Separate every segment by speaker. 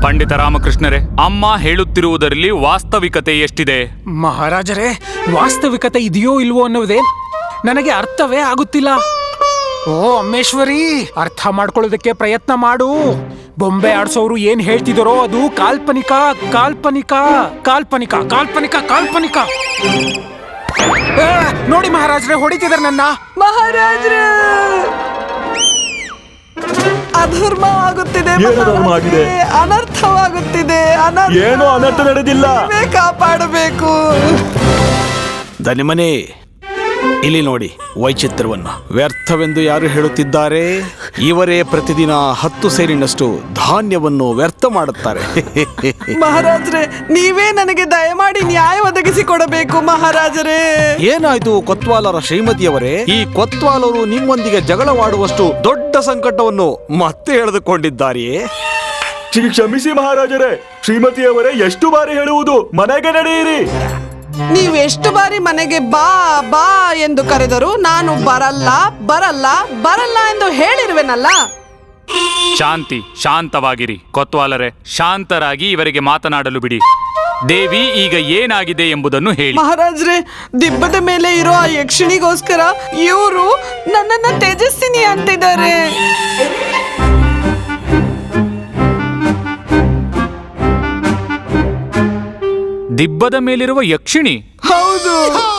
Speaker 1: ಪಂಡಿತ ರಾಮಕೃಷ್ಣರೇ, ಅಮ್ಮ ಹೇಳುತ್ತಿರುವುದರಲ್ಲಿ ವಾಸ್ತವಿಕತೆ ಎಷ್ಟಿದೆ?
Speaker 2: ಮಹಾರಾಜರೇ, ವಾಸ್ತವಿಕತೆ ಇದೆಯೋ ಇಲ್ವೋ ಅನ್ನೋದೇ ನನಗೆ ಅರ್ಥವೇ ಆಗುತ್ತಿಲ್ಲ. ಓ ಅಮ್ಮೇಶ್ವರಿ, ಅರ್ಥ ಮಾಡ್ಕೊಳ್ಳೋದಕ್ಕೆ ಪ್ರಯತ್ನ ಮಾಡು. ಬೊಂಬೆ ಆಡ್ಸೋರು ಏನ್ ಹೇಳ್ತಿದಾರೋ ಅದು ಕಾಲ್ಪನಿಕ ಕಾಲ್ಪನಿಕ ಕಾಲ್ಪನಿಕ ಕಾಲ್ಪನಿಕ ಕಾಲ್ಪನಿಕ. ನೋಡಿ ಮಹಾರಾಜರೇ, ಹೊಡಿತಿದಾರೆ ನನ್ನ.
Speaker 3: ಮಹಾರಾಜರೇ, ಅಧರ್ಮ ಆಗುತ್ತಿದೆ, ಅನರ್ಥವಾಗುತ್ತಿದೆ.
Speaker 4: ಏನೋ ಅನರ್ಥ ನಡೆದಿಲ್ಲ,
Speaker 3: ಕಾಪಾಡಬೇಕು.
Speaker 5: ದನಿಮನೆ, ಇಲ್ಲಿ ನೋಡಿ ವೈಚಿತ್ರವನ್ನು. ವ್ಯರ್ಥವೆಂದು ಯಾರು ಹೇಳುತ್ತಿದ್ದಾರೆ? ಇವರೇ ಪ್ರತಿದಿನ 10 ಸೇರಿನಷ್ಟು ಧಾನ್ಯವನ್ನು ವ್ಯರ್ಥ ಮಾಡುತ್ತಾರೆ.
Speaker 3: ಮಹಾರಾಜರೇ, ನೀವೇ ನನಗೆ ದಯಮಾಡಿ ನ್ಯಾಯ ಒದಗಿಸಿ ಕೊಡಬೇಕು ಮಹಾರಾಜರೇ.
Speaker 5: ಏನಾಯ್ತು ಕೊತ್ವಾಲರ ಶ್ರೀಮತಿಯವರೇ? ಈ ಕೊತ್ವಾಲರು ನಿಮ್ಮೊಂದಿಗೆ ಜಗಳವಾಡುವಷ್ಟು ದೊಡ್ಡ ಸಂಕಟವನ್ನು ಮತ್ತೆ ಎಳೆದುಕೊಂಡಿದ್ದಾರೆಯೇ?
Speaker 4: ಕ್ಷಮಿಸಿ ಮಹಾರಾಜರೇ. ಶ್ರೀಮತಿಯವರೇ, ಎಷ್ಟು ಬಾರಿ ಹೇಳುವುದು, ಮನೆಗೆ ನಡೆಯಿರಿ.
Speaker 3: ನೀವೆಷ್ಟು ಬಾರಿ ಮನೆಗೆ ಬಾ ಬಾ ಎಂದು ಕರೆದರೂ ನಾನು ಬರಲ್ಲ ಬರಲ್ಲ ಬರಲ್ಲ ಎಂದು ಹೇಳಿರುವೆನಲ್ಲ.
Speaker 1: ಶಾಂತಿ, ಶಾಂತವಾಗಿರಿ. ಕೊತ್ವಾಲರೇ, ಶಾಂತರಾಗಿ ಇವರಿಗೆ ಮಾತನಾಡಲು ಬಿಡಿ. ದೇವಿ, ಈಗ ಏನಾಗಿದೆ ಎಂಬುದನ್ನು ಹೇಳಿ.
Speaker 3: ಮಹಾರಾಜ್ರೆ, ದಿಬ್ಬದ ಮೇಲೆ ಇರೋ ಆ ಯಕ್ಷಿಣಿಗೋಸ್ಕರ ಇವರು ನನ್ನನ್ನ ತೇಜಸ್ವಿನಿ ಅಂತಿದ್ದಾರೆ.
Speaker 1: ದಿಬ್ಬದ ಮೇಲಿರುವ ಯಕ್ಷಿಣಿ?
Speaker 3: ಹೌದು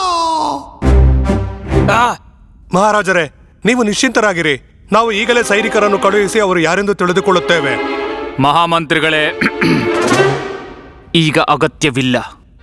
Speaker 6: ಮಹಾರಾಜರೇ, ನೀವು ನಿಶ್ಚಿಂತರಾಗಿರಿ. ನಾವು ಈಗಲೇ ಸೈನಿಕರನ್ನು ಕಳುಹಿಸಿ ಅವರು ಯಾರೆಂದು ತಿಳಿದುಕೊಳ್ಳುತ್ತೇವೆ.
Speaker 1: ಮಹಾಮಂತ್ರಿಗಳೇ, ಈಗ ಅಗತ್ಯವಿಲ್ಲ.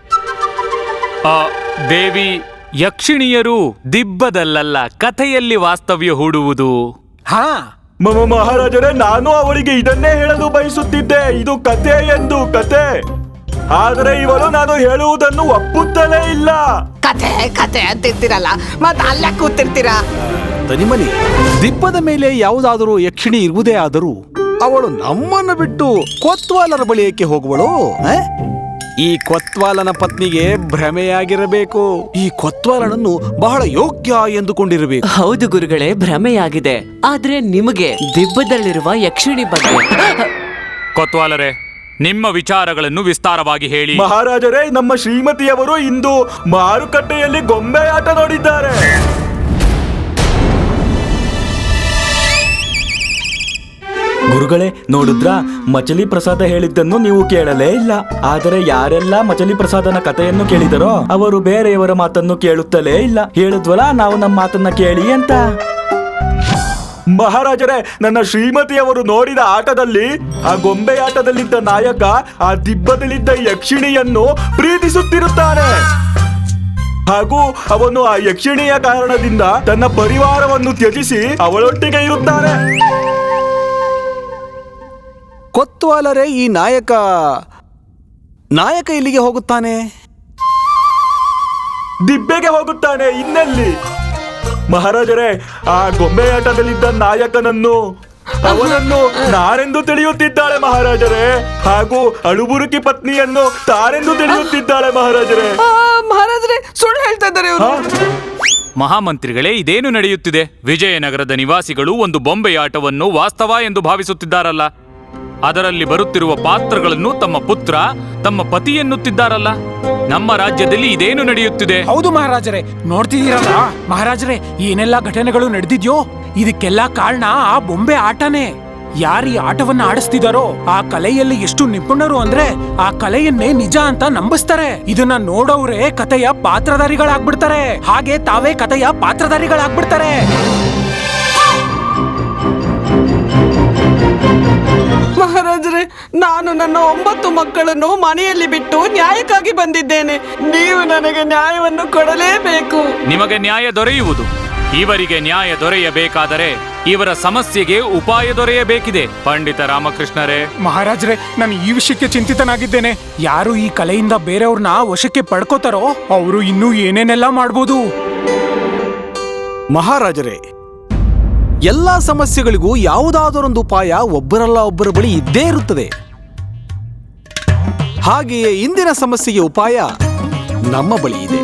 Speaker 1: ದೇವಿ, ಯಕ್ಷಿಣಿಯರು ದಿಬ್ಬದಲ್ಲ, ಕಥೆಯಲ್ಲಿ ವಾಸ್ತವ್ಯ ಹೂಡುವುದು.
Speaker 2: ಹಾ
Speaker 4: ಮಹಾರಾಜರೇ, ನಾನು ಅವರಿಗೆ ಇದನ್ನೇ ಹೇಳಲು ಬಯಸುತ್ತಿದ್ದೆ. ಇದು ಕತೆ ಎಂದು, ಕತೆ. ಆದರೆ ಇವರು ನಾನು ಹೇಳುವುದನ್ನು ಒಪ್ಪುತ್ತಲೇ ಇಲ್ಲ.
Speaker 3: ಕತೆ ಕತೆ ಅಂತಿರ್ತೀರಲ್ಲ, ಮತ್ತೆ ಅಲ್ಲೇ ಕೂತಿರ್ತೀರಾ.
Speaker 5: ದನಿಮನಿ, ದಿಬ್ಬದ ಮೇಲೆ ಯಾವುದಾದರೂ ಯಕ್ಷಿಣಿ ಇರುವುದೇ ಆದರೂ ಅವಳು ನಮ್ಮನ್ನು ಬಿಟ್ಟು ಕೊತ್ವಾಲರ ಬಳಿ ಏಕೆ ಹೋಗುವಳು? ಈ ಕೊತ್ವಾಲನ ಪತ್ನಿಗೆ ಭ್ರಮೆಯಾಗಿರಬೇಕು. ಈ ಕೊತ್ವಾಲನನ್ನು ಬಹಳ ಯೋಗ್ಯ ಎಂದುಕೊಂಡಿರಬೇಕು.
Speaker 7: ಹೌದು ಗುರುಗಳೇ, ಭ್ರಮೆಯಾಗಿದೆ. ಆದ್ರೆ ನಿಮಗೆ ದಿಬ್ಬದಲ್ಲಿರುವ ಯಕ್ಷಿಣಿ ಬಗ್ಗೆ.
Speaker 1: ಕೊತ್ವಾಲರೇ, ನಿಮ್ಮ ವಿಚಾರಗಳನ್ನು ವಿಸ್ತಾರವಾಗಿ ಹೇಳಿ.
Speaker 4: ಮಹಾರಾಜರೇ, ನಮ್ಮ ಶ್ರೀಮತಿಯವರು ಇಂದು ಮಾರುಕಟ್ಟೆಯಲ್ಲಿ ಗೊಂಬೆ ಆಟ ನೋಡಿದ್ದಾರೆ.
Speaker 8: ಗುರುಗಳೇ, ನೋಡಿದ್ರ ಮಚಲಿ ಪ್ರಸಾದ ಹೇಳಿದ್ದನ್ನು ನೀವು ಕೇಳಲೇ ಇಲ್ಲ. ಆದರೆ ಯಾರೆಲ್ಲ ಮಚಲಿ ಪ್ರಸಾದನ ಕಥೆಯನ್ನು ಕೇಳಿದರೋ ಅವರು ಬೇರೆಯವರ ಮಾತನ್ನು ಕೇಳುತ್ತಲೇ ಇಲ್ಲ. ಹೇಳಿದ್ವಲ್ಲ ನಾವು ನಮ್ಮ ಮಾತನ್ನ ಕೇಳಿ ಅಂತ.
Speaker 4: ಮಹಾರಾಜರೇ, ನನ್ನ ಶ್ರೀಮತಿಯವರು ನೋಡಿದ ಆಟದಲ್ಲಿ, ಆ ಗೊಂಬೆ ಆಟದಲ್ಲಿದ್ದ ನಾಯಕ ಆ ದಿಬ್ಬದಲ್ಲಿದ್ದ ಯಕ್ಷಿಣಿಯನ್ನು ಪ್ರೀತಿಸುತ್ತಿರುತ್ತಾನೆ. ಹಾಗೂ ಅವನು ಆ ಯಕ್ಷಿಣಿಯ ಕಾರಣದಿಂದ ತನ್ನ ಪರಿವಾರವನ್ನು ತ್ಯಜಿಸಿ ಅವಳೊಟ್ಟಿಗೆ ಇರುತ್ತಾನೆ.
Speaker 5: ಕೊತ್ವಾಲರೇ, ಈ ನಾಯಕ ಇಲ್ಲಿಗೆ ಹೋಗುತ್ತಾನೆ?
Speaker 4: ದಿಬ್ಬೆಗೆ ಹೋಗುತ್ತಾನೆ. ಇನ್ನೆಲ್ಲಿ? ಮಹಾರಾಜರೇ, ಆ ಗೊಂಬೆ ಆಟದಲ್ಲಿದ್ದ ನಾಯಕನನ್ನು ಅವನನ್ನು ನಾನೆಂದು ತಿಳಿಯುತ್ತಿದ್ದಾಳೆ ಮಹಾರಾಜರೇ. ಹಾಗೂ ಅಳುಬುರುಕಿ ಪತ್ನಿಯನ್ನು ತಾನೆಂದು ತಿಳಿಯುತ್ತಿದ್ದಾಳೆ ಮಹಾರಾಜರೇ.
Speaker 3: ಮಹಾರಾಜರೇ, ಸುಳ್ಳು ಹೇಳ್ತಾ ಇದ್ದಾರೆ ಇವರು.
Speaker 1: ಮಹಾಮಂತ್ರಿಗಳೇ, ಇದೇನು ನಡೆಯುತ್ತಿದೆ? ವಿಜಯನಗರದ ನಿವಾಸಿಗಳು ಒಂದು ಬೊಂಬೆಯಾಟವನ್ನು ವಾಸ್ತವ ಎಂದು ಭಾವಿಸುತ್ತಿದ್ದಾರಲ್ಲ. ಅದರಲ್ಲಿ ಬರುತ್ತಿರುವ ಪಾತ್ರಗಳನ್ನು ತಮ್ಮ ಪುತ್ರ, ತಮ್ಮ ಪತಿ ಎನ್ನುತ್ತಿದ್ದಾರಲ್ಲ. ನಮ್ಮ ರಾಜ್ಯದಲ್ಲಿ ಇದೇನು ನಡೆಯುತ್ತಿದೆ?
Speaker 2: ಹೌದು ಮಹಾರಾಜರೇ, ನೋಡ್ತಿದ್ದೀರಲ್ಲ ಮಹಾರಾಜರೇ, ಏನೆಲ್ಲ ಘಟನೆಗಳು ನಡೆದಿದ್ಯೋ ಇದಕ್ಕೆಲ್ಲ ಕಾರಣ ಆ ಬೊಂಬೆ ಆಟನೇ. ಯಾರು ಈ ಆಟವನ್ನ ಆಡಿಸ್ತಿದಾರೋ ಆ ಕಲೆಯಲ್ಲಿ ಎಷ್ಟು ನಿಪುಣರು ಅಂದ್ರೆ ಆ ಕಲೆಯನ್ನೇ ನಿಜ ಅಂತ ನಂಬಿಸ್ತಾರೆ. ಇದನ್ನ ನೋಡೋರೇ ಕಥೆಯ ಪಾತ್ರಧಾರಿಗಳಾಗ್ಬಿಡ್ತಾರೆ. ಹಾಗೆ ತಾವೇ ಕಥೆಯ ಪಾತ್ರಧಾರಿಗಳಾಗ್ಬಿಡ್ತಾರೆ.
Speaker 3: ಮಹಾರಾಜರೇ, ನಾನು ನನ್ನ 9 ಮಕ್ಕಳನ್ನು ಮನೆಯಲ್ಲಿ ಬಿಟ್ಟು ನ್ಯಾಯಕ್ಕಾಗಿ ಬಂದಿದ್ದೇನೆ. ನೀವು ನನಗೆ ನ್ಯಾಯವನ್ನು ಕೊಡಲೇಬೇಕು.
Speaker 1: ನಿಮಗೆ ನ್ಯಾಯ ದೊರೆಯುವುದು. ಇವರಿಗೆ ನ್ಯಾಯ ದೊರೆಯಬೇಕಾದರೆ ಇವರ ಸಮಸ್ಯೆಗೆ ಉಪಾಯ ದೊರೆಯಬೇಕಿದೆ. ಪಂಡಿತ ರಾಮಕೃಷ್ಣರೇ.
Speaker 2: ಮಹಾರಾಜರೇ, ನಾನು ಈ ವಿಷಯಕ್ಕೆ ಚಿಂತಿತನಾಗಿದ್ದೇನೆ. ಯಾರು ಈ ಕಲೆಯಿಂದ ಬೇರೆಯವ್ರನ್ನ ವಶಕ್ಕೆ ಪಡ್ಕೋತಾರೋ ಅವರು ಇನ್ನೂ ಏನೇನೆಲ್ಲ ಮಾಡ್ಬೋದು.
Speaker 5: ಮಹಾರಾಜರೇ, ಎಲ್ಲಾ ಸಮಸ್ಯೆಗಳಿಗೂ ಯಾವುದಾದರೊಂದು ಉಪಾಯ ಒಬ್ಬರಲ್ಲ ಒಬ್ಬರ ಬಳಿ ಇದ್ದೇ ಇರುತ್ತದೆ. ಹಾಗೆಯೇ ಇಂದಿನ ಸಮಸ್ಯೆಗೆ ಉಪಾಯ ನಮ್ಮ ಬಳಿ ಇದೆ.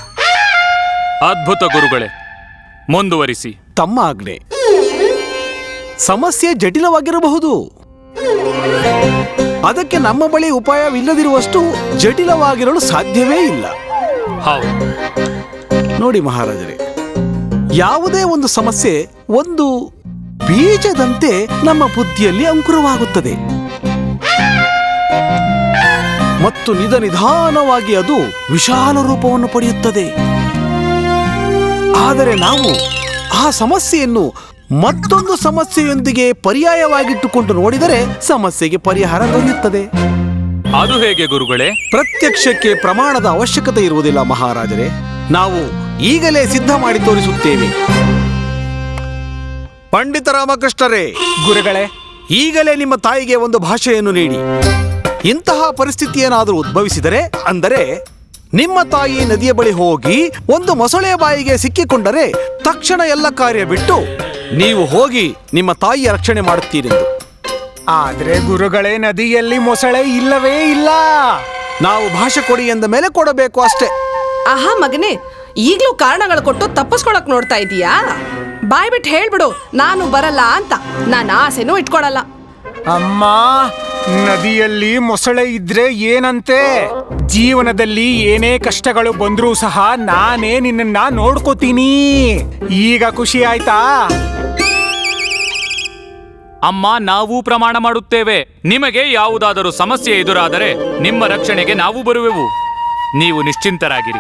Speaker 1: ಅದ್ಭುತ ಗುರುಗಳೇ, ಮುಂದುವರಿಸಿ.
Speaker 5: ತಮ್ಮ ಆಜ್ಞೆ. ಸಮಸ್ಯೆ ಜಟಿಲವಾಗಿರಬಹುದು. ಅದಕ್ಕೆ ನಮ್ಮ ಬಳಿ ಉಪಾಯವಿಲ್ಲದಿರುವಷ್ಟು ಜಟಿಲವಾಗಿರಲು ಸಾಧ್ಯವೇ ಇಲ್ಲ.
Speaker 1: ಹೌದು.
Speaker 5: ನೋಡಿ ಮಹಾರಾಜರೇ, ಯಾವುದೇ ಒಂದು ಸಮಸ್ಯೆ ಒಂದು ಬೀಜದಂತೆ ನಮ್ಮ ಬುದ್ಧಿಯಲ್ಲಿ ಅಂಕುರವಾಗುತ್ತದೆ ಮತ್ತು ನಿಧಾನವಾಗಿ ಅದು ವಿಶಾಲ ರೂಪವನ್ನು ಪಡೆಯುತ್ತದೆ. ಆದರೆ ನಾವು ಆ ಸಮಸ್ಯೆಯನ್ನು ಮತ್ತೊಂದು ಸಮಸ್ಯೆಯೊಂದಿಗೆ ಪರ್ಯಾಯವಾಗಿಟ್ಟುಕೊಂಡು ನೋಡಿದರೆ ಸಮಸ್ಯೆಗೆ ಪರಿಹಾರ ದೊರೆಯುತ್ತದೆ.
Speaker 1: ಅದು ಹೇಗೆ ಗುರುಗಳೇ?
Speaker 5: ಪ್ರತ್ಯಕ್ಷಕ್ಕೆ ಪ್ರಮಾಣದ ಅವಶ್ಯಕತೆ ಇರುವುದಿಲ್ಲ ಮಹಾರಾಜರೇ. ನಾವು ಈಗಲೇ ಸಿದ್ಧ ಮಾಡಿ ತೋರಿಸುತ್ತೇವೆ. ಪಂಡಿತ ರಾಮಕೃಷ್ಣರೇ,
Speaker 2: ಗುರುಗಳೇ,
Speaker 5: ಈಗಲೇ ನಿಮ್ಮ ತಾಯಿಗೆ ಒಂದು ಭಾಷೆಯನ್ನು ನೀಡಿ. ಇಂತಹ ಪರಿಸ್ಥಿತಿ ಏನಾದರೂ ಉದ್ಭವಿಸಿದರೆ, ಅಂದರೆ ನಿಮ್ಮ ತಾಯಿ ನದಿಯ ಬಳಿ ಹೋಗಿ ಒಂದು ಮೊಸಳೆ ಬಾಯಿಗೆ ಸಿಕ್ಕಿಕೊಂಡರೆ ತಕ್ಷಣ ಎಲ್ಲ ಕಾರ್ಯ ಬಿಟ್ಟು ನೀವು ಹೋಗಿ ನಿಮ್ಮ ತಾಯಿಯ ರಕ್ಷಣೆ ಮಾಡುತ್ತೀರೆಂದು.
Speaker 2: ಆದ್ರೆ ಗುರುಗಳೇ, ನದಿಯಲ್ಲಿ ಮೊಸಳೆ ಇಲ್ಲವೇ ಇಲ್ಲ.
Speaker 5: ನಾವು ಭಾಷೆ ಕೊಡಿ ಎಂದ ಮೇಲೆ ಕೊಡಬೇಕು ಅಷ್ಟೇ.
Speaker 3: ಆಹಾ ಮಗನೇ, ಈಗ್ಲೂ ಕಾರಣಗಳು ಕೊಟ್ಟು ತಪ್ಪಿಸ್ಕೊಳಕ್ ನೋಡ್ತಾ ಇದೀಯಾ? ಬಾಯ್ ಬಿಟ್ಟು ಹೇಳ್ಬಿಡು, ನಾನು ಬರಲ್ಲ ಅಂತ. ನಾನು ಆಸೆನೂ ಇಟ್ಕೊಳಲ್ಲ.
Speaker 2: ಅಮ್ಮ, ನದಿಯಲ್ಲಿ ಮೊಸಳೆ ಇದ್ರೆ ಏನಂತೆ? ಜೀವನದಲ್ಲಿ ಏನೇ ಕಷ್ಟಗಳು ಬಂದ್ರೂ ಸಹ ನಾನೇ ನಿನ್ನ ನೋಡ್ಕೋತೀನಿ. ಈಗ ಖುಷಿ ಆಯ್ತಾ?
Speaker 1: ಅಮ್ಮ, ನಾವು ಪ್ರಮಾಣ ಮಾಡುತ್ತೇವೆ. ನಿಮಗೆ ಯಾವುದಾದರೂ ಸಮಸ್ಯೆ ಎದುರಾದರೆ ನಿಮ್ಮ ರಕ್ಷಣೆಗೆ ನಾವು ಬರುವೆವು. ನೀವು ನಿಶ್ಚಿಂತರಾಗಿರಿ.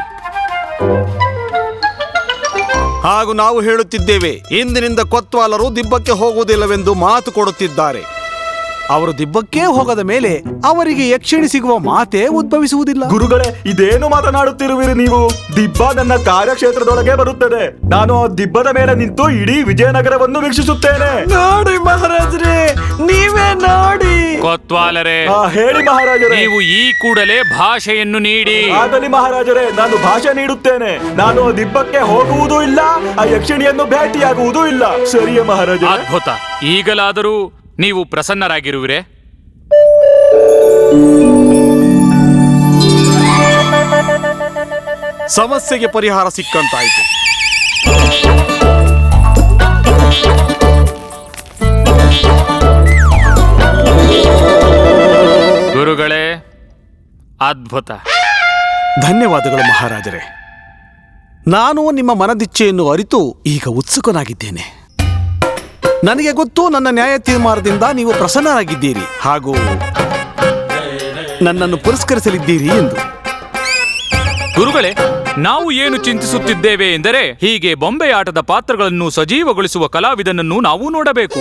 Speaker 5: ಹಾಗೂ ನಾವು ಹೇಳುತ್ತಿದ್ದೇವೆ, ಇಂದಿನಿಂದ ಕೊತ್ವಾಲರು ದಿಬ್ಬಕ್ಕೆ ಹೋಗುವುದಿಲ್ಲವೆಂದು ಮಾತು ಕೊಡುತ್ತಿದ್ದಾರೆ. ಅವರು ದಿಬ್ಬಕ್ಕೆ ಹೋಗದ ಮೇಲೆ ಅವರಿಗೆ ಯಕ್ಷಿಣಿ ಸಿಗುವ ಮಾತೇ ಉದ್ಭವಿಸುವುದಿಲ್ಲ.
Speaker 4: ಗುರುಗಳೇ, ಇದೇನು ಮಾತನಾಡುತ್ತಿರುವಿರಿ ನೀವು? ದಿಬ್ಬ ನನ್ನ ಕಾರ್ಯಕ್ಷೇತ್ರದೊಳಗೆ ಬರುತ್ತದೆ. ನಾನು ಆ ದಿಬ್ಬದ ಮೇಲೆ ನಿಂತು ಇಡೀ ವಿಜಯನಗರವನ್ನು ವೀಕ್ಷಿಸುತ್ತೇನೆ.
Speaker 5: ನೋಡಿ ಮಹಾರಾಜರೇ, ನೀವೇ ನೋಡಿ.
Speaker 1: ಕೊತ್ವಾಲರೇ,
Speaker 4: ಹೇಳಿ ಮಹಾರಾಜರೇ.
Speaker 1: ನೀವು ಈ ಕೂಡಲೇ ಭಾಷೆಯನ್ನು ನೀಡಿ.
Speaker 4: ಆಗಲಿ ಮಹಾರಾಜರೇ, ನಾನು ಭಾಷೆ ನೀಡುತ್ತೇನೆ. ನಾನು ಆ ದಿಬ್ಬಕ್ಕೆ ಹೋಗುವುದೂ ಇಲ್ಲ, ಆ ಯಕ್ಷಿಣಿಯನ್ನು ಭೇಟಿಯಾಗುವುದೂ ಇಲ್ಲ. ಸರಿಯೇ ಮಹಾರಾಜರೇ?
Speaker 1: ಅದ್ಭುತ. ಈಗಲಾದರೂ ನೀವು ಪ್ರಸನ್ನರಾಗಿರುವಿರೇ?
Speaker 5: ಸಮಸ್ಯೆಗೆ ಪರಿಹಾರ ಸಿಕ್ಕಂತಾಯಿತು.
Speaker 1: ಗುರುಗಳೇ, ಅದ್ಭುತ.
Speaker 5: ಧನ್ಯವಾದಗಳು ಮಹಾರಾಜರೇ. ನಾನು ನಿಮ್ಮ ಮನದಿಚ್ಛೆಯನ್ನು ಅರಿತು ಈಗ ಉತ್ಸುಕನಾಗಿದ್ದೇನೆ. ನನಗೆ ಗೊತ್ತು, ನನ್ನ ನ್ಯಾಯ ತೀರ್ಮಾನದಿಂದ ನೀವು ಪ್ರಸನ್ನರಾಗಿದ್ದೀರಿ ಹಾಗೂ ನನ್ನನ್ನು ಪುರಸ್ಕರಿಸಲಿದ್ದೀರಿ ಎಂದು.
Speaker 1: ಗುರುಗಳೇ, ನಾವು ಏನು ಚಿಂತಿಸುತ್ತಿದ್ದೇವೆ ಎಂದರೆ, ಹೀಗೆ ಬೊಂಬೆ ಆಟದ ಪಾತ್ರಗಳನ್ನು ಸಜೀವಗೊಳಿಸುವ ಕಲಾವಿದನನ್ನು ನಾವು ನೋಡಬೇಕು.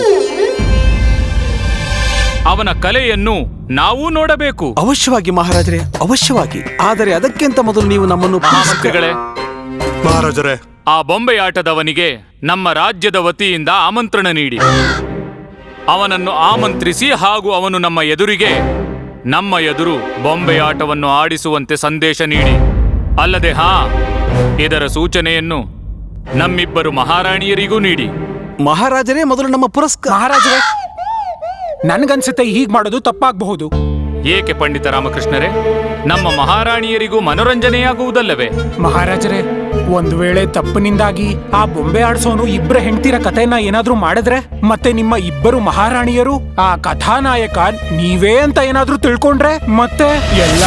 Speaker 1: ಅವನ ಕಲೆಯನ್ನು ನಾವು ನೋಡಬೇಕು.
Speaker 5: ಅವಶ್ಯವಾಗಿ ಮಹಾರಾಜರೇ, ಅವಶ್ಯವಾಗಿ. ಆದರೆ ಅದಕ್ಕಿಂತ ಮೊದಲು ನೀವು ನಮ್ಮನ್ನು
Speaker 1: ಮಂತ್ರಿಗಳೇ,
Speaker 6: ಮಹಾರಾಜರೇ,
Speaker 1: ಆ ಬೊಂಬೆಯಾಟದವನಿಗೆ ನಮ್ಮ ರಾಜ್ಯದ ವತಿಯಿಂದ ಆಮಂತ್ರಣ ನೀಡಿ ಅವನನ್ನು ಆಮಂತ್ರಿಸಿ ಹಾಗೂ ಅವನು ನಮ್ಮ ಎದುರು ಬೊಂಬೆಯಾಟವನ್ನು ಆಡಿಸುವಂತೆ ಸಂದೇಶ ನೀಡಿ. ಅಲ್ಲದೆ ಇದರ ಸೂಚನೆಯನ್ನು ನಮ್ಮಿಬ್ಬರು ಮಹಾರಾಣಿಯರಿಗೂ ನೀಡಿ.
Speaker 5: ಮಹಾರಾಜರೇ, ಮೊದಲು ನಮ್ಮ
Speaker 2: ಮಹಾರಾಜರೇ, ನನ್ಗನ್ಸುತ್ತೆ ಹೀಗ್ ಮಾಡೋದು ತಪ್ಪಾಗಬಹುದು.
Speaker 1: ಏಕೆ ಪಂಡಿತ ರಾಮಕೃಷ್ಣರೇ? ನಮ್ಮ ಮಹಾರಾಣಿಯರಿಗೂ ಮನೋರಂಜನೆಯಾಗುವುದಲ್ಲವೇ?
Speaker 2: ಮಹಾರಾಜರೇ, ಒಂದು ವೇಳೆ ತಪ್ಪಿನಿಂದಾಗಿ ಆ ಬೊಂಬೆ ಆಡ್ಸೋನು ಇಬ್ಬರ ಹೆಂಡತಿರ ಕಥೆನ ಏನಾದ್ರೂ ಮಾಡಿದ್ರೆ, ಮತ್ತೆ ನಿಮ್ಮ ಇಬ್ಬರು ಮಹಾರಾಣಿಯರು ಆ ಕಥಾನಾಯಕ ನೀವೇ ಅಂತ ಏನಾದ್ರೂ ತಿಳ್ಕೊಂಡ್ರೆ, ಮತ್ತೆ ಎಲ್ಲ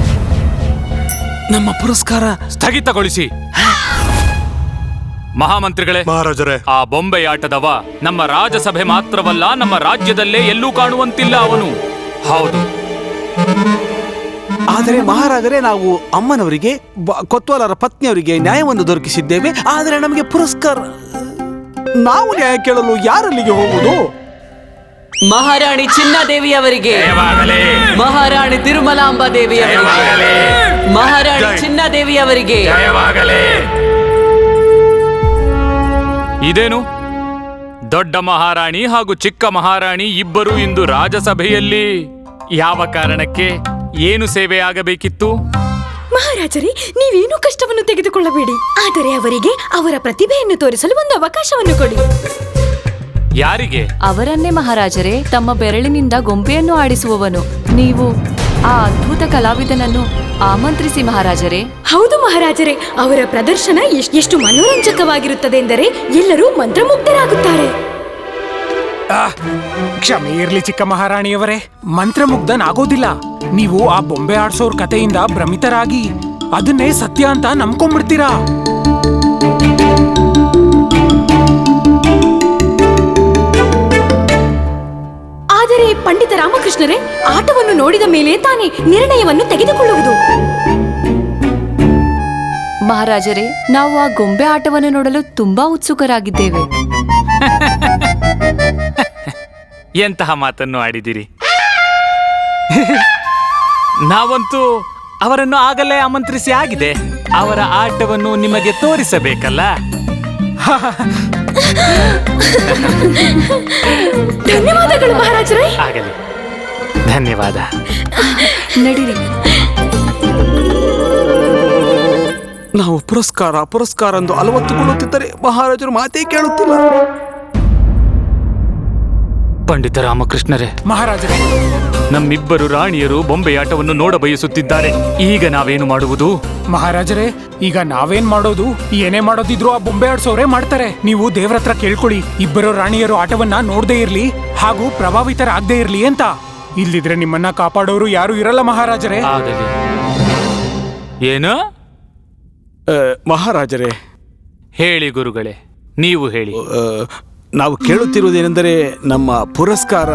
Speaker 5: ನಮ್ಮ ಪುರಸ್ಕಾರ
Speaker 1: ಸ್ಥಗಿತಗೊಳಿಸಿ. ಮಹಾಮಂತ್ರಿಗಳೇ,
Speaker 6: ಮಹಾರಾಜರೇ,
Speaker 1: ಆ ಬೊಂಬೆಯಾಟದವ ನಮ್ಮ ರಾಜಸಭೆ ಮಾತ್ರವಲ್ಲ, ನಮ್ಮ ರಾಜ್ಯದಲ್ಲೇ ಎಲ್ಲೂ ಕಾಣುವಂತಿಲ್ಲ ಅವನು. ಹೌದು.
Speaker 5: ಆದರೆ ಮಹಾರಾಜರೇ, ನಾವು ಅಮ್ಮನವರಿಗೆ ಕೊತ್ವಾಲರ ಪತ್ನಿಯವರಿಗೆ ನ್ಯಾಯವನ್ನು ದೊರಕಿಸಿದ್ದೇವೆ. ಆದರೆ ನಮಗೆ ಪುರಸ್ಕಾರ, ನಾವು ನ್ಯಾಯ ಕೇಳಲು ಯಾರಲ್ಲಿಗೆ ಹೋಗುವುದು?
Speaker 7: ಮಹಾರಾಣಿ ಚಿನ್ನಾದೇವಿಯವರಿಗೆ, ಮಹಾರಾಣಿ ತಿರುಮಲಾಂಬಾ ದೇವಿಯವರಿಗೆ, ಮಹಾರಾಣಿ ಚಿನ್ನಾದೇವಿಯವರಿಗೆ.
Speaker 1: ಇದೇನು? ದೊಡ್ಡ ಮಹಾರಾಣಿ ಹಾಗೂ ಚಿಕ್ಕ ಮಹಾರಾಣಿ ಇಬ್ಬರು ಇಂದು ರಾಜಸಭೆಯಲ್ಲಿ. ಯಾವ ಕಾರಣಕ್ಕೆ? ಏನು ಸೇವೆ ಆಗಬೇಕಿತ್ತು?
Speaker 9: ಮಹಾರಾಜರೇ, ನೀವೇನು ಕಷ್ಟವನ್ನು ತೆಗೆದುಕೊಳ್ಳಬೇಡಿ. ಆದರೆ ಅವರಿಗೆ ಅವರ ಪ್ರತಿಭೆಯನ್ನು ತೋರಿಸಲು ಒಂದು ಅವಕಾಶವನ್ನು ಕೊಡಿ.
Speaker 1: ಯಾರಿಗೆ?
Speaker 10: ಅವರನ್ನೇ ಮಹಾರಾಜರೇ. ತಮ್ಮ ಬೆರಳಿನಿಂದ ಗೊಂಬೆಯನ್ನು ಆಡಿಸುವವನು. ನೀವು ಆ ಅದ್ಭುತ ಕಲಾವಿದನನ್ನು ಆಮಂತ್ರಿಸಿ ಮಹಾರಾಜರೇ.
Speaker 9: ಹೌದು ಮಹಾರಾಜರೇ, ಅವರ ಪ್ರದರ್ಶನ ಎಷ್ಟು ಮನೋರಂಜಕವಾಗಿರುತ್ತದೆ ಎಂದರೆ ಎಲ್ಲರೂ ಮಂತ್ರಮುಗ್ಧರಾಗುತ್ತಾರೆ.
Speaker 2: ಕ್ಷಮೆ ಇರ್ಲಿ ಚಿಕ್ಕ ಮಹಾರಾಣಿಯವರೇ, ಮಂತ್ರಮುಗ್ಧನಾಗೋದಿಲ್ಲ. ನೀವು ಆ ಬೊಂಬೆ ಆಡ್ಸೋರ್ ಕಥೆಯಿಂದ ಭ್ರಮಿತರಾಗಿ ಅದನ್ನೇ ಸತ್ಯ ಅಂತ ನಂಬ್ಕೊಂಡ್ಬಿಡ್ತೀರಾ.
Speaker 9: ಆದರೆ ಪಂಡಿತ ರಾಮಕೃಷ್ಣರೇ, ಆಟವನ್ನು ನೋಡಿದ ಮೇಲೆ ತಾನೇ ನಿರ್ಣಯವನ್ನು ತೆಗೆದುಕೊಳ್ಳುವುದು.
Speaker 10: ಮಹಾರಾಜರೇ, ನಾವು ಆ ಗೊಂಬೆ ಆಟವನ್ನು ನೋಡಲು ತುಂಬಾ ಉತ್ಸುಕರಾಗಿದ್ದೇವೆ.
Speaker 1: ಎಂತಹ ಮಾತನ್ನು ಆಡಿದಿರಿ. ನಾವಂತೂ ಅವರನ್ನು ಆಗಲೇ ಆಮಂತ್ರಿಸಿ ಆಗಿದೆ. ಅವರ ಆಟವನ್ನು ನಿಮಗೆ ತೋರಿಸಬೇಕಲ್ಲ.
Speaker 9: ಧನ್ಯವಾದಗಳು ಮಹಾರಾಜರೇ.
Speaker 1: ಆಗಲಿ, ಧನ್ಯವಾದ.
Speaker 9: ನಡೀರಿ.
Speaker 5: ನಾವು ಪುರಸ್ಕಾರ ಎಂದು ಅಲವತ್ತುಕೊಳ್ಳುತ್ತಿದ್ದರೆ ಮಹಾರಾಜರು ಮಾತೇ ಕೇಳುತ್ತಿಲ್ಲ.
Speaker 1: ಪಂಡಿತ ರಾಮಕೃಷ್ಣರೇ,
Speaker 2: ಮಹಾರಾಜರೇ,
Speaker 1: ನಮ್ಮಿಬ್ಬರು ರಾಣಿಯರು ಬೊಂಬೆಯಾಟವನ್ನು ನೋಡ ಬಯಸುತ್ತಿದ್ದಾರೆ. ಈಗ ನಾವೇನು ಮಾಡುವುದು?
Speaker 2: ಮಹಾರಾಜರೇ, ಈಗ ನಾವೇನ್ ಮಾಡೋದು? ಏನೇ ಮಾಡೋದಿದ್ರು ಆ ಬೊಂಬೆ ಆಡ್ಸೋರೇ ಮಾಡ್ತಾರೆ. ನೀವು ದೇವ್ರ ಹತ್ರ ಕೇಳ್ಕೊಳ್ಳಿ, ಇಬ್ಬರು ರಾಣಿಯರು ಆಟವನ್ನ ನೋಡದೇ ಇರ್ಲಿ ಹಾಗೂ ಪ್ರಭಾವಿತರಾಗದೇ ಇರ್ಲಿ ಅಂತ. ಇಲ್ಲಿದ್ರೆ ನಿಮ್ಮನ್ನ ಕಾಪಾಡೋರು ಯಾರು ಇರಲ್ಲ ಮಹಾರಾಜರೇ.
Speaker 1: ಆಗಲಿ. ಏನು?
Speaker 5: ಮಹಾರಾಜರೇ,
Speaker 1: ಹೇಳಿ ಗುರುಗಳೇ, ನೀವು ಹೇಳಿ.
Speaker 5: ನಾವು ಕೇಳುತ್ತಿರುವುದೇನೆಂದರೆ ನಮ್ಮ ಪುರಸ್ಕಾರ.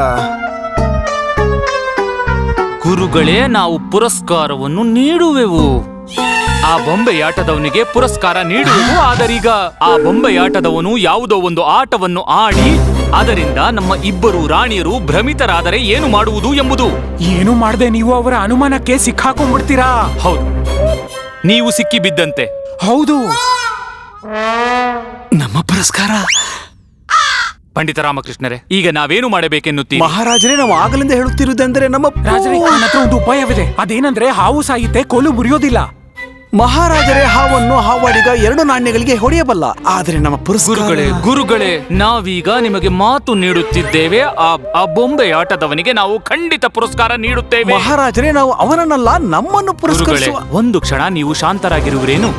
Speaker 1: ಗುರುಗಳೇ, ನಾವು ಪುರಸ್ಕಾರವನ್ನು ನೀಡುವೆವು. ಆ ಬೊಂಬೆಯಾಟದವನಿಗೆ ಪುರಸ್ಕಾರ ನೀಡುವೆವು. ಆದರೀಗ ಆ ಬೊಂಬೆಯಾಟದವನು ಯಾವುದೋ ಒಂದು ಆಟವನ್ನು ಆಡಿ ಅದರಿಂದ ನಮ್ಮ ಇಬ್ಬರು ರಾಣಿಯರು ಭ್ರಮಿತರಾದರೆ ಏನು ಮಾಡುವುದು ಎಂಬುದು.
Speaker 2: ಏನು ಮಾಡದೆ ನೀವು ಅವರ ಅನುಮಾನಕ್ಕೆ ಸಿಕ್ಕಾಕೊಂಡ್ಬಿಡ್ತೀರಾ.
Speaker 1: ಹೌದು, ನೀವು ಸಿಕ್ಕಿ ಬಿದ್ದಂತೆ.
Speaker 2: ಹೌದು,
Speaker 5: ನಮ್ಮ ಪುರಸ್ಕಾರ.
Speaker 1: ಪಂಡಿತ ರಾಮಕೃಷ್ಣರೇ, ಈಗ ನಾವೇನು ಮಾಡಬೇಕೆನ್ನುತ್ತೀವಿ?
Speaker 5: ಮಹಾರಾಜರೇ, ನಾವು ಆಗಲಿಂದ ಹೇಳುತ್ತಿರುವುದೆಂದರೆ ನಮ್ಮ
Speaker 2: ರಾಜರೇ, ನನ್ನ ಹತ್ರ ಒಂದು ಉಪಾಯವಿದೆ. ಅದೇನಂದ್ರೆ ಹಾವು ಸಾಯುತ್ತೆ, ಕೋಲು ಮುರಿಯೋದಿಲ್ಲ.
Speaker 5: ಮಹಾರಾಜರೇ, ಹಾವನ್ನು ಹಾವಾಡಿಗ 2 ನಾಣ್ಯಗಳಿಗೆ ಹೊಡೆಯಬಲ್ಲ. ಆದರೆ ನಮ್ಮ
Speaker 1: ಗುರುಗಳೇ, ನಾವೀಗ ನಿಮಗೆ ಮಾತು ನೀಡುತ್ತಿದ್ದೇವೆ. ಆ ಬೊಂಬೆಯಾಟದವನಿಗೆ ನಾವು ಖಂಡಿತ ಪುರಸ್ಕಾರ ನೀಡುತ್ತೇವೆ.
Speaker 5: ಮಹಾರಾಜರೇ, ನಾವು ಅವನನ್ನಲ್ಲ, ನಮ್ಮನ್ನು ಪುರಸ್ಕರಿಸುವ.
Speaker 1: ಒಂದು ಕ್ಷಣ ನೀವು ಶಾಂತರಾಗಿರುವಿರೇನು?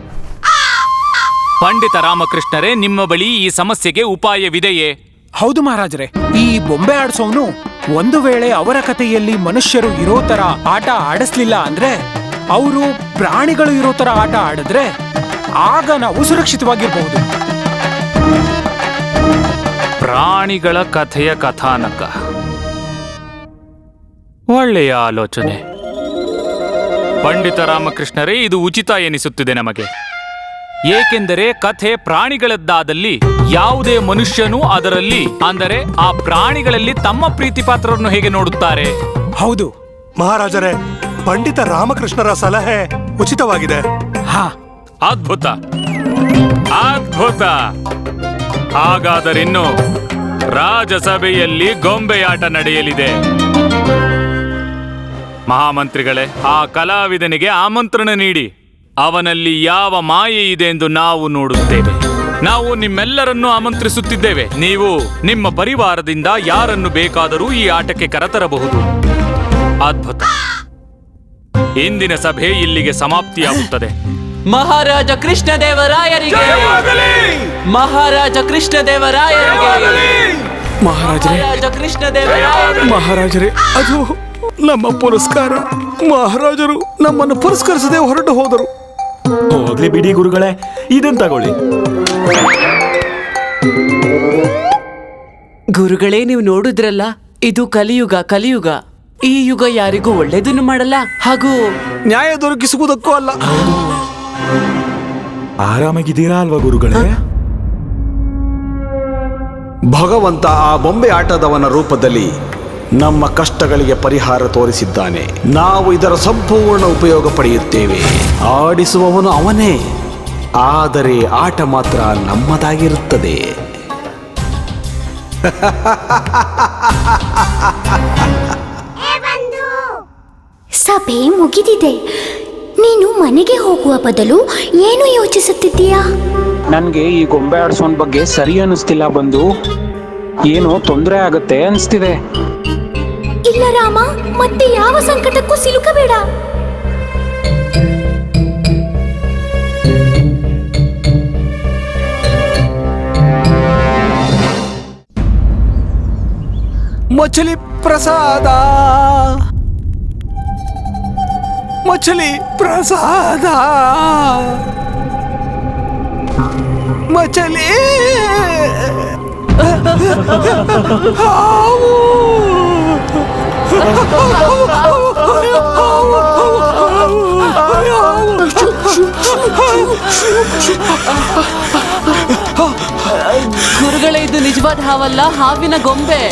Speaker 1: ಪಂಡಿತ ರಾಮಕೃಷ್ಣರೇ, ನಿಮ್ಮ ಬಳಿ ಈ ಸಮಸ್ಯೆಗೆ ಉಪಾಯವಿದೆಯೇ?
Speaker 2: ಹೌದು ಮಹಾರಾಜರೇ, ಈ ಬೊಂಬೆ ಆಡ್ಸೋನು ಒಂದು ವೇಳೆ ಅವರ ಕಥೆಯಲ್ಲಿ ಮನುಷ್ಯರು ಇರೋ ತರ ಆಟ ಆಡಿಸ್ಲಿಲ್ಲ ಅಂದ್ರೆ, ಅವರು ಪ್ರಾಣಿಗಳು ಇರೋ ತರ ಆಟ ಆಡಿದ್ರೆ ಆಗ ನಾವು ಸುರಕ್ಷಿತವಾಗಿರಬಹುದು.
Speaker 1: ಪ್ರಾಣಿಗಳ ಕಥೆಯ ಕಥಾನಕ, ಒಳ್ಳೆಯ ಆಲೋಚನೆ. ಪಂಡಿತ ರಾಮಕೃಷ್ಣರೇ, ಇದು ಉಚಿತ ಎನಿಸುತ್ತಿದೆ ನಮಗೆ. ಏಕೆಂದರೆ ಕಥೆ ಪ್ರಾಣಿಗಳದ್ದಾದಲ್ಲಿ ಯಾವುದೇ ಮನುಷ್ಯನೂ ಅದರಲ್ಲಿ, ಅಂದರೆ ಆ ಪ್ರಾಣಿಗಳಲ್ಲಿ ತಮ್ಮ ಪ್ರೀತಿ ಪಾತ್ರರನ್ನು ಹೇಗೆ ನೋಡುತ್ತಾರೆ?
Speaker 2: ಹೌದು
Speaker 6: ಮಹಾರಾಜರೇ, ಪಂಡಿತ ರಾಮಕೃಷ್ಣರ ಸಲಹೆ ಉಚಿತವಾಗಿದೆ.
Speaker 2: ಹಾ,
Speaker 1: ಅದ್ಭುತ ಅದ್ಭುತ. ಹಾಗಾದರಿನ್ನು ರಾಜಸಭೆಯಲ್ಲಿ ಗೊಂಬೆಯಾಟ ನಡೆಯಲಿದೆ. ಮಹಾಮಂತ್ರಿಗಳೇ, ಆ ಕಲಾವಿದನಿಗೆ ಆಮಂತ್ರಣ ನೀಡಿ ಅವನಲ್ಲಿ ಯಾವ ಮಾಯೆ ಇದೆ ಎಂದು ನಾವು ನೋಡುತ್ತೇವೆ. ನಾವು ನಿಮ್ಮೆಲ್ಲರನ್ನೂ ಆಮಂತ್ರಿಸುತ್ತಿದ್ದೇವೆ. ನೀವು ನಿಮ್ಮ ಪರಿವಾರದಿಂದ ಯಾರನ್ನು ಬೇಕಾದರೂ ಈ ಆಟಕ್ಕೆ ಕರೆತರಬಹುದು. ಅದ್ಭುತ. ಇಂದಿನ ಸಭೆ ಇಲ್ಲಿಗೆ ಸಮಾಪ್ತಿಯಾಗುತ್ತದೆ.
Speaker 7: ಮಹಾರಾಜ ಕೃಷ್ಣದೇವರಾಯರಿಗೆ, ಮಹಾರಾಜ ಕೃಷ್ಣದೇವರಾಯರಿಗೆ, ಮಹಾರಾಜ ಕೃಷ್ಣದೇವರಾಯರಿಗೆ.
Speaker 5: ಮಹಾರಾಜರೇ, ಅದು ನಮ್ಮ ಪುರಸ್ಕಾರ. ಮಹಾರಾಜರು ನಮ್ಮನ್ನು ಪುರಸ್ಕರಿಸದೆ ಹೊರಟು ಹೋದರು.
Speaker 8: ಹೋಗ್ಲಿ ಬಿಡಿ ಗುರುಗಳೇ, ಇದನ್ ತಗೊಳ್ಳಿ.
Speaker 7: ಗುರುಗಳೇ, ನೀವು ನೋಡಿದ್ರಲ್ಲ, ಇದು ಕಲಿಯುಗ. ಈ ಯುಗ ಯಾರಿಗೂ ಒಳ್ಳೇದನ್ನು ಮಾಡಲ್ಲ ಹಾಗೂ
Speaker 5: ನ್ಯಾಯ ದೊರಕಿಸುವುದಕ್ಕೂ ಅಲ್ಲ.
Speaker 8: ಆರಾಮಾಗಿದ್ದೀರಾ ಅಲ್ವಾ ಗುರುಗಳೇ?
Speaker 5: ಭಗವಂತ ಆ ಬೊಂಬೆ ಆಟದವನ ರೂಪದಲ್ಲಿ ನಮ್ಮ ಕಷ್ಟಗಳಿಗೆ ಪರಿಹಾರ ತೋರಿಸಿದ್ದಾನೆ. ನಾವು ಇದರ ಸಂಪೂರ್ಣ ಉಪಯೋಗ ಪಡೆಯುತ್ತೇವೆ. ಆಡಿಸುವವನು ಅವನೇ, ಆದರೆ ಆಟ ಮಾತ್ರ ನಮ್ಮದಾಗಿರುತ್ತದೆ.
Speaker 9: ಸಭೆ ಮುಗಿದಿದೆ. ನೀನು ಮನೆಗೆ ಹೋಗುವ ಬದಲು ಏನು ಯೋಚಿಸುತ್ತಿದ್ದೀಯಾ?
Speaker 2: ನನ್ಗೆ ಈ ಗೊಂಬೆ ಆಡ್ಸೋನ್ ಬಗ್ಗೆ ಸರಿ ಅನಿಸ್ತಿಲ್ಲ ಬಂದು. ಏನೋ ತೊಂದರೆ ಆಗತ್ತೆ ಅನಿಸ್ತಿದೆ.
Speaker 9: ಇಲ್ಲ ರಾಮ, ಮತ್ತೆ ಯಾವ ಸಂಕಟಕ್ಕೂ ಸಿಲುಕಬೇಡ.
Speaker 5: ಮಚಲಿ ಪ್ರಸಾದ, ಮಚಲಿ ಪ್ರಸಾದ, ಮಚಲಿ
Speaker 7: ಗುರುಗಳೇ, ಇದು ನಿಜವಾದ ಹಾವಲ್ಲ, ಹಾವಿನ ಗೊಂಬೆ.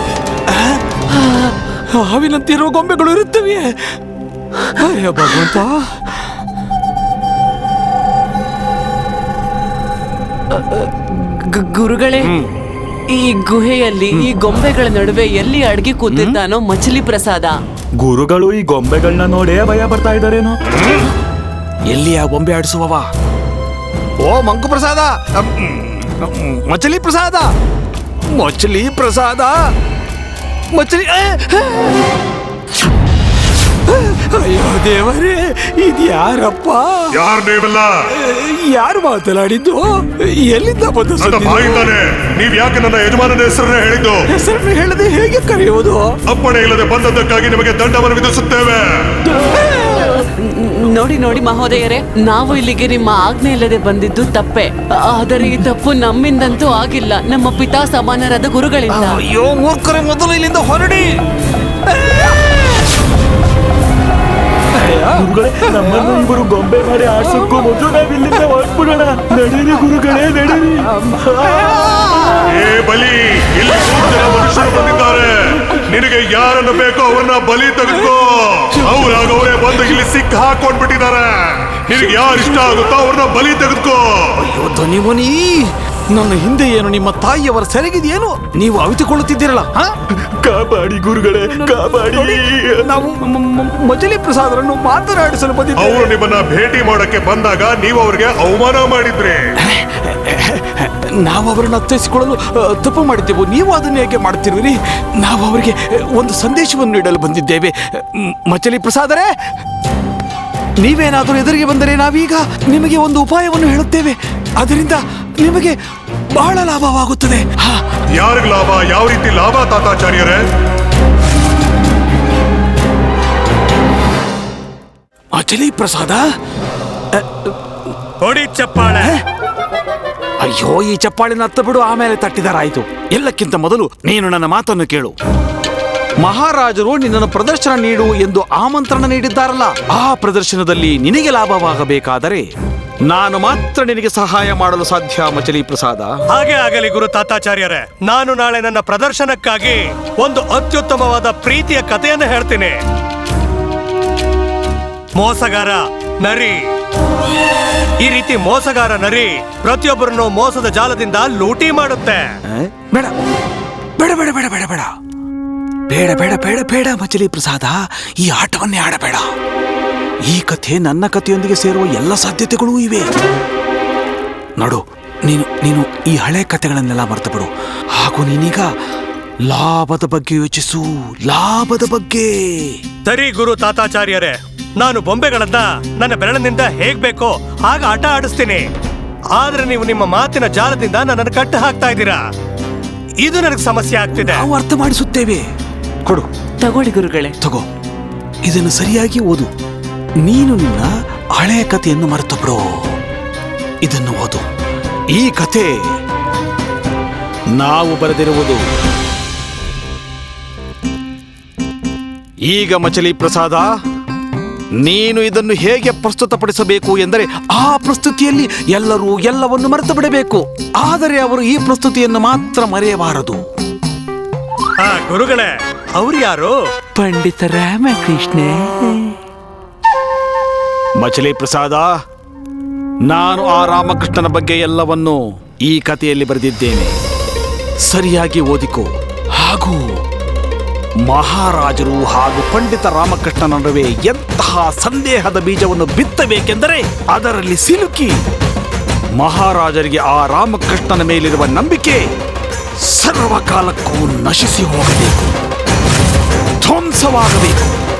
Speaker 5: ಹಾವಿನಂತಿರುವ ಗೊಂಬೆಗಳು ಇರುತ್ತವೆ. ಅಯ್ಯ ಭಗವಂತ.
Speaker 7: ಗುರುಗಳೇ, ಈ ಗುಹೆಯಲ್ಲಿ ಈ ಗೊಂಬೆಗಳ ನಡುವೆ ಎಲ್ಲಿ ಅಡಗಿ ಕೂತಿದ್ದಾನೋ ಮಚಲಿ ಪ್ರಸಾದ.
Speaker 8: ಗುರುಗಳು ಈ ಗೊಂಬೆಗಳನ್ನ ನೋಡೇ ಭಯ ಬರ್ತಾ ಇದಾರೇನೋ.
Speaker 5: ಎಲ್ಲಿ ಆ ಗೊಂಬೆ ಆಡಿಸುವವ? ಓ ಮಂಕು ಪ್ರಸಾದ, ಮಚಲಿ ಪ್ರಸಾದ, ಮಚಲಿ ಪ್ರಸಾದ, ಮಚಲಿ. ಅಯ್ಯೋ ದೇವರೇ, ಇದ್ಯಾರಪ್ಪ?
Speaker 6: ಯಾರು ನೀವೆಲ್ಲ?
Speaker 5: ಯಾರು ಮಾತನಾಡಿದ್ದು? ಎಲ್ಲಿಂದ ಬಂದು
Speaker 6: ನೀವ್ ಯಾಕೆ ನನ್ನ ಯಜಮಾನನ ಹೆಸರನ್ನ ಹೇಳಿದ್ದು?
Speaker 5: ಹೆಸರನ್ನು ಹೇಳದೆ ಹೇಗೆ ಕರೆಯುವುದು?
Speaker 6: ಅಪ್ಪಣೆ ಇಲ್ಲದೆ ಬಂದದ್ದಕ್ಕಾಗಿ ನಿಮಗೆ ದಂಡವನ್ನು ವಿಧಿಸುತ್ತೇವೆ.
Speaker 7: ನೋಡಿ ನೋಡಿ ಮಹೋದಯರೇ, ನಾವು ಇಲ್ಲಿಗೆ ನಿಮ್ಮ ಆಜ್ಞೆ ಇಲ್ಲದೆ ಬಂದಿದ್ದು ತಪ್ಪೆ. ಆದರೆ ಈ ತಪ್ಪು ನಮ್ಮಿಂದಂತೂ ಆಗಿಲ್ಲ, ನಮ್ಮ ಪಿತಾ ಸಮಾನರಾದ ಗುರುಗಳಿಂದ.
Speaker 5: ಅಯ್ಯೋ ಮೂರ್ಖರೇ, ಮೊದಲು ಇಲ್ಲಿಂದ ಹೊರಡಿ.
Speaker 8: ಗುರುಗಳೇ, ನಮ್ಮನ್ನು ಇವರು ಗೊಂಬೆ ಮಾಡಿ ಆಡ್ಸಕ್ಕೂ ಮೊದಲು ನಾವು ಇಲ್ಲಿಂದ ಹೊರಟ್ಬಿಡೋಣ. ನಡೀರಿ ಗುರುಗಳೇ, ನಡೀರಿ.
Speaker 6: ಏ ಬಲಿ, ಇಲ್ಲಿ ಮನುಷ್ಯರು ಬಂದಿದ್ದಾರೆ. ನಿನಗೆ ಯಾರನ್ನು ಬೇಕೋ ಅವ್ರನ್ನ ಬಲಿ ತೆಗೆದುಕೋ. ಅವರೇ ಬಂದು ಇಲ್ಲಿ ಸಿಕ್ಕ ಹಾಕೊಂಡ್ಬಿಟ್ಟಿದ್ದಾರೆ. ನಿನಗೆ ಯಾರು ಇಷ್ಟ ಆಗುತ್ತೋ ಅವ್ರನ್ನ ಬಲಿ ತೆಗೆದುಕೋ.
Speaker 5: ಅಯ್ಯೋ ಧ್ವನಿಮುನಿ, ನನ್ನ ಹಿಂದೆ ಏನು ನಿಮ್ಮ ತಾಯಿಯವರ ಸೆರಗಿದೆಯೇನು? ನೀವು ಅವಿತುಕೊಳ್ಳುತ್ತಿದ್ದೀರಲ್ಲ?
Speaker 8: ಕಾಪಾಡಿ ಗುರುಗಳೇ, ಕಾಪಾಡಿ.
Speaker 5: ನಾವು ಮಚಲಿ ಪ್ರಸಾದರನ್ನು ಮಾತನಾಡಿಸಲು ಬಂದಿದ್ದೇವೆ.
Speaker 6: ಅವರು ನಿಮ್ಮನ್ನ ಭೇಟಿ ಮಾಡಕ್ಕೆ ಬಂದಾಗ ನೀವು ಅವ್ರಿಗೆ ಅವಮಾನ ಮಾಡಿದ್ರಿ.
Speaker 5: ನಾವು ಅವರನ್ನು ಅರ್ಥೈಸಿಕೊಳ್ಳಲು ತಪ್ಪು ಮಾಡಿದ್ದೆವು. ನೀವು ಅದನ್ನು ಹೇಗೆ ಮಾಡ್ತಿರುವಿರಿ? ನಾವು ಅವರಿಗೆ ಒಂದು ಸಂದೇಶವನ್ನು ನೀಡಲು ಬಂದಿದ್ದೇವೆ. ಮಚಲಿ ಪ್ರಸಾದರೇ, ನೀವೇನಾದರೂ ಎದುರಿಗೆ ಬಂದರೆ ನಾವೀಗ ನಿಮಗೆ ಒಂದು ಉಪಾಯವನ್ನು ಹೇಳುತ್ತೇವೆ. ಅದರಿಂದ ನಿಮಗೆ ಬಹಳ ಲಾಭವಾಗುತ್ತದೆ.
Speaker 6: ಯಾರಿಗ ಲಾಭ? ಯಾವ ರೀತಿ ಲಾಭ ತಾತಾಚಾರ್ಯರೇ?
Speaker 5: ಮಚಲಿ ಪ್ರಸಾದ,
Speaker 6: ಹೊಡಿ ಚಪ್ಪಾಳೆ.
Speaker 5: ಅಯ್ಯೋ, ಈ ಚಪ್ಪಾಳಿನ ಹತ್ತ ಬಿಡು, ಆಮೇಲೆ ತಟ್ಟಿದರಾಯಿತು. ಎಲ್ಲಕ್ಕಿಂತ ಮೊದಲು ನೀನು ನನ್ನ ಮಾತನ್ನು ಕೇಳು. ಮಹಾರಾಜರು ನಿನ್ನನ್ನು ಪ್ರದರ್ಶನ ನೀಡು ಎಂದು ಆಮಂತ್ರಣ ನೀಡಿದ್ದಾರಲ್ಲ, ಆ ಪ್ರದರ್ಶನದಲ್ಲಿ ನಿನಗೆ ಲಾಭವಾಗಬೇಕಾದರೆ ನಾನು ಮಾತ್ರ ನಿನಗೆ ಸಹಾಯ ಮಾಡಲು ಸಾಧ್ಯ ಮಚಲಿ ಪ್ರಸಾದ.
Speaker 6: ಹಾಗೆ ಆಗಲಿ ಗುರು ತಾತಾಚಾರ್ಯರೇ. ನಾನು ನಾಳೆ ನನ್ನ ಪ್ರದರ್ಶನಕ್ಕಾಗಿ ಒಂದು ಅತ್ಯುತ್ತಮವಾದ ಪ್ರೀತಿಯ ಕಥೆಯನ್ನು ಹೇಳ್ತೀನಿ. ಮೋಸಗಾರ ನರಿ. ಈ ರೀತಿ ಮೋಸಗಾರ ನರಿ ಪ್ರತಿಯೊಬ್ಬರನ್ನು ಮೋಸದ ಜಾಲದಿಂದ ಲೂಟಿ ಮಾಡುತ್ತೆ.
Speaker 5: ಬೇಡ ಬೇಡ ಬೇಡ ಬೇಡ ಬೇಡ ಬೇಡ ಬೇಡ ಬೇಡ ಬೇಡ ಬೇಡ ಮಚಲಿ ಪ್ರಸಾದ, ಈ ಆಟವನ್ನೇ ಆಡಬೇಡ. ಈ ಕಥೆ ನನ್ನ ಕಥೆಯೊಂದಿಗೆ ಸೇರುವ ಎಲ್ಲ ಸಾಧ್ಯತೆಗಳೂ ಇವೆ. ನೋಡು, ನೀನು ಈ ಹಳೆ ಕಥೆಗಳನ್ನೆಲ್ಲ ಮರೆತು ಬಿಡು. ಹಾಗೂ ನೀನೀಗ ಲಾಭದ ಬಗ್ಗೆ ಯೋಚಿಸು, ಲಾಭದ ಬಗ್ಗೆ.
Speaker 6: ಸರಿ ಗುರು ತಾತಾಚಾರ್ಯರೇ, ನಾನು ಬೊಂಬೆಗಳನ್ನ ನನ್ನ ಬೆರಳಿನಿಂದ ಹೇಗ್ ಬೇಕೋ ಹಾಗ ಆಟ ಆಡಿಸ್ತೀನಿ. ಆದ್ರೆ ನೀವು ನಿಮ್ಮ ಮಾತಿನ ಜಾಲದಿಂದ ನನ್ನನ್ನು ಕಟ್ಟು ಹಾಕ್ತಾ ಇದ್ದೀರಾ. ಇದು ನನಗೆ ಸಮಸ್ಯೆ ಆಗ್ತಿದೆ.
Speaker 5: ನಾವು ಅರ್ಥ ಮಾಡಿಸುತ್ತೇವೆ. ಕೊಡು.
Speaker 7: ತಗೊಳ್ಳಿ ಗುರುಗಳೇ.
Speaker 5: ತಗೋ, ಇದನ್ನು ಸರಿಯಾಗಿ ಓದು. ನೀನು ನಿನ್ನ ಹಳೆಯ ಕಥೆಯನ್ನು ಮರೆತು ಬಿಡು. ಇದನ್ನು ಓದು. ಈ ಕಥೆ ನಾವು ಬರೆದಿರುವುದು. ಈಗ ಮಚಲಿ ಪ್ರಸಾದ, ನೀನು ಇದನ್ನು ಹೇಗೆ ಪ್ರಸ್ತುತಪಡಿಸಬೇಕು ಎಂದರೆ ಆ ಪ್ರಸ್ತುತಿಯಲ್ಲಿ ಎಲ್ಲರೂ ಎಲ್ಲವನ್ನು ಮರೆತು ಬಿಡಬೇಕು. ಆದರೆ ಅವರು ಈ ಪ್ರಸ್ತುತಿಯನ್ನು ಮಾತ್ರ ಮರೆಯಬಾರದು.
Speaker 6: ಗುರುಗಳೇ, ಅವ್ರು ಯಾರು?
Speaker 5: ಪಂಡಿತ ರಾಮಕೃಷ್ಣ. ಮಚಲಿ ಪ್ರಸಾದ, ನಾನು ಆ ರಾಮಕೃಷ್ಣನ ಬಗ್ಗೆ ಎಲ್ಲವನ್ನು ಈ ಕಥೆಯಲ್ಲಿ ಬರೆದಿದ್ದೇನೆ. ಸರಿಯಾಗಿ ಓದಿಕೋ. ಹಾಗೂ ಮಹಾರಾಜರು ಹಾಗೂ ಪಂಡಿತ ರಾಮಕೃಷ್ಣನ ನಡುವೆ ಎಂತಹ ಸಂದೇಹದ ಬೀಜವನ್ನು ಬಿತ್ತಬೇಕೆಂದರೆ ಅದರಲ್ಲಿ ಸಿಲುಕಿ ಮಹಾರಾಜರಿಗೆ ಆ ರಾಮಕೃಷ್ಣನ ಮೇಲಿರುವ ನಂಬಿಕೆ ಸರ್ವಕಾಲಕ್ಕೂ ನಶಿಸಿ ಹೋಗಬೇಕು, ಧ್ವಂಸವಾಗಬೇಕು.